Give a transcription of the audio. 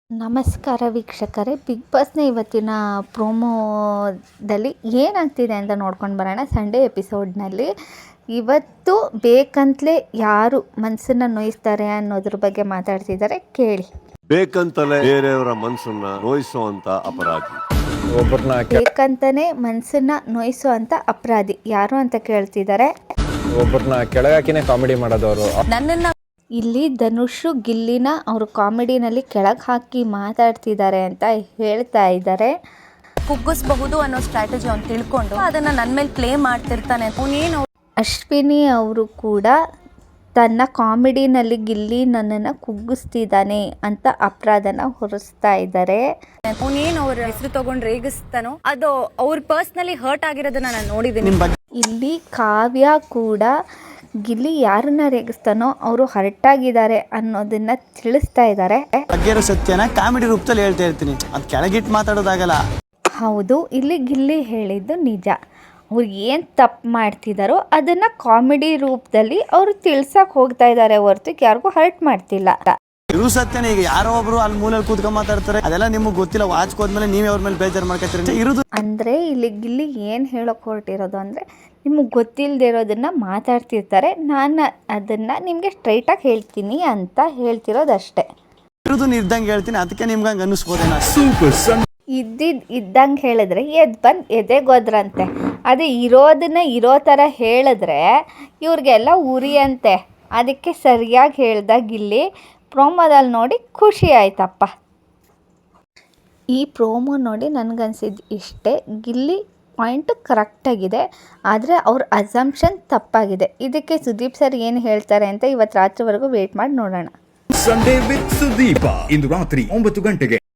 ನಮಸ್ಕಾರ ವೀಕ್ಷಕರೇ, ಬಿಗ್ ಬಾಸ್ನ ಇವತ್ತಿನ ಪ್ರೋಮೋದಲ್ಲಿ ಏನಾಗ್ತಿದೆ ಅಂತ ನೋಡ್ಕೊಂಡು ಬರೋಣ. ಸಂಡೇ ಎಪಿಸೋಡ್ನಲ್ಲಿ ಇವತ್ತು ಬೇಕಂತಲೇ ಯಾರು ಮನಸ್ಸನ್ನು ನೋಯಿಸ್ತಾರೆ ಅನ್ನೋದ್ರ ಬಗ್ಗೆ ಮಾತಾಡ್ತಿದ್ದಾರೆ, ಕೇಳಿ. ಬೇಕಂತಲೇ ಬೇರೆಯವರ ಮನಸ್ಸನ್ನ ನೋಯಿಸುವಂತ ಅಪರಾಧಿ, ಬೇಕಂತಾನೆ ಮನಸ್ಸನ್ನ ನೋಯಿಸುವಂತ ಅಪರಾಧಿ ಯಾರು ಅಂತ ಕೇಳ್ತಿದ್ದಾರೆ. ಒಬ್ಬರನ್ನ ಕೆಳಗಾಕಿನೇ ಕಾಮಿಡಿ ಮಾಡೋದವರು. ನನ್ನನ್ನು ಇಲ್ಲಿ ಧನುಷು ಗಿಲ್ಲಿನ ಅವರು ಕಾಮಿಡಿನಲ್ಲಿ ಕೆಳಗೆ ಹಾಕಿ ಮಾತಾಡ್ತಿದ್ದಾರೆ ಅಂತ ಹೇಳ್ತಾ ಇದ್ದಾರೆ. ಕುಗ್ಗಿಸಬಹುದು ಅನ್ನೋ ಸ್ಟ್ರಾಟಜಿ ಅವ್ನು ತಿಳ್ಕೊಂಡು ಅದನ್ನ ನನ್ನ ಮೇಲೆ ಪ್ಲೇ ಮಾಡ್ತಿರ್ತಾನೆ. ಅಶ್ವಿನಿ ಅವರು ಕೂಡ ತನ್ನ ಕಾಮಿಡಿನಲ್ಲಿ ಗಿಲ್ಲಿ ನನ್ನನ್ನು ಕುಗ್ಗಿಸ್ತಿದ್ದಾನೆ ಅಂತ ಅಪರಾಧನ ಹೊರಿಸ್ತಾ ಇದ್ದಾರೆ. ಅವನೇನು ಅವ್ರ ಹೆಸರು ತಗೊಂಡು ರೇಗಿಸ್ತಾನೋ ಅದು ಅವ್ರ ಪರ್ಸ್ನಲಿ ಹರ್ಟ್ ಆಗಿರೋದನ್ನ ನಾನು ನೋಡಿದ್ದೀನಿ. ಇಲ್ಲಿ ಕಾವ್ಯ ಕೂಡ ಗಿಲ್ಲಿ ಯಾರನ್ನ ರೇಗಿಸ್ತಾನೋ ಅವರು ಹರ್ಟ್ ಆಗಿದ್ದಾರೆ ಅನ್ನೋದನ್ನ ತಿಳಿಸ್ತಾ ಇದ್ದಾರೆ. ಬಗ್ಗೆರೋ ಸತ್ಯನ ಕಾಮಿಡಿ ರೂಪದಲ್ಲಿ ಹೇಳ್ತಾ ಇರ್ತೀನಿ, ಅದು ಕೆಳಗಿಟ್ಟು ಮಾತಾಡೋದಾಗಲ್ಲ. ಹೌದು, ಇಲ್ಲಿ ಗಿಲ್ಲಿ ಹೇಳಿದ್ದು ನಿಜ. ಅವ್ರು ಏನು ತಪ್ಪು ಮಾಡ್ತಿದ್ದಾರೋ ಅದನ್ನು ಕಾಮಿಡಿ ರೂಪದಲ್ಲಿ ಅವರು ತಿಳ್ಸಕ್ಕೆ ಹೋಗ್ತಾ ಇದ್ದಾರೆ ಹೊರತು ಯಾರಿಗೂ ಹರ್ಟ್ ಮಾಡ್ತಿಲ್ಲ. ಇರು ಸತ್ಯನ ಈಗ ಯಾರೋ ಒಬ್ರು ಅಲ್ಲಿ ಮೂಲೆಯಲ್ಲಿ ಕೂತ್ಕೊಂಡು ಮಾತಾಡ್ತಾರೆ, ಅದೆಲ್ಲ ನಿಮಗೆ ಗೊತ್ತಿಲ್ಲ. ವಾಚ್ಗೆ ಹೋದ್ಮೇಲೆ ನೀವೇ ಅವ್ರ ಮೇಲೆ ಬೇಜಾರು ಮಾಡ್ಕೊತೀರಿ. ಇರೋದು ಅಂದರೆ ಇಲ್ಲಿ ಗಿಲ್ಲಿ ಏನು ಹೇಳೋಕೆ ಹೊರಟಿರೋದು ಅಂದರೆ, ನಿಮಗೆ ಗೊತ್ತಿಲ್ಲದೆ ಇರೋದನ್ನು ಮಾತಾಡ್ತಿರ್ತಾರೆ, ನಾನು ಅದನ್ನು ನಿಮಗೆ ಸ್ಟ್ರೈಟಾಗಿ ಹೇಳ್ತೀನಿ ಅಂತ ಹೇಳ್ತಿರೋದಷ್ಟೇ. ಇರೋದು ಇದ್ದಂಗೆ ಹೇಳ್ತೀನಿ, ಅದಕ್ಕೆ ನಿಮ್ಗೆ ಹಂಗೆ ಅನ್ನಿಸ್ಬೋದೇನ. ಇದ್ದಂಗೆ ಹೇಳಿದ್ರೆ ಬಂದು ಎದೆಗೋದ್ರಂತೆ. ಅದೇ ಇರೋದನ್ನ ಇರೋ ಥರ ಹೇಳಿದ್ರೆ ಇವ್ರಿಗೆಲ್ಲ ಉರಿಯಂತೆ. ಅದಕ್ಕೆ ಸರಿಯಾಗಿ ಹೇಳ್ದಾಗ ಇಲ್ಲಿ ಪ್ರೋಮೋದಲ್ಲಿ ನೋಡಿ ಖುಷಿ ಆಯ್ತಪ್ಪ. ಈ ಪ್ರೋಮೋ ನೋಡಿ ನನಗನ್ಸಿದ್ದು ಇಷ್ಟೇ, ಗಿಲ್ಲಿ ಪಾಯಿಂಟ್ ಕರೆಕ್ಟಾಗಿದೆ, ಆದರೆ ಅವ್ರ ಅಸಂಪ್ಷನ್ ತಪ್ಪಾಗಿದೆ. ಇದಕ್ಕೆ ಸುದೀಪ್ ಸರ್ ಏನು ಹೇಳ್ತಾರೆ ಅಂತ ಇವತ್ತು ರಾತ್ರಿವರೆಗೂ ವೇಟ್ ಮಾಡಿ ನೋಡೋಣ. ಸಂಡೇ ವಿತ್ ಸುದೀಪ ಇಂದು ರಾತ್ರಿ 9 ಗಂಟೆಗೆ.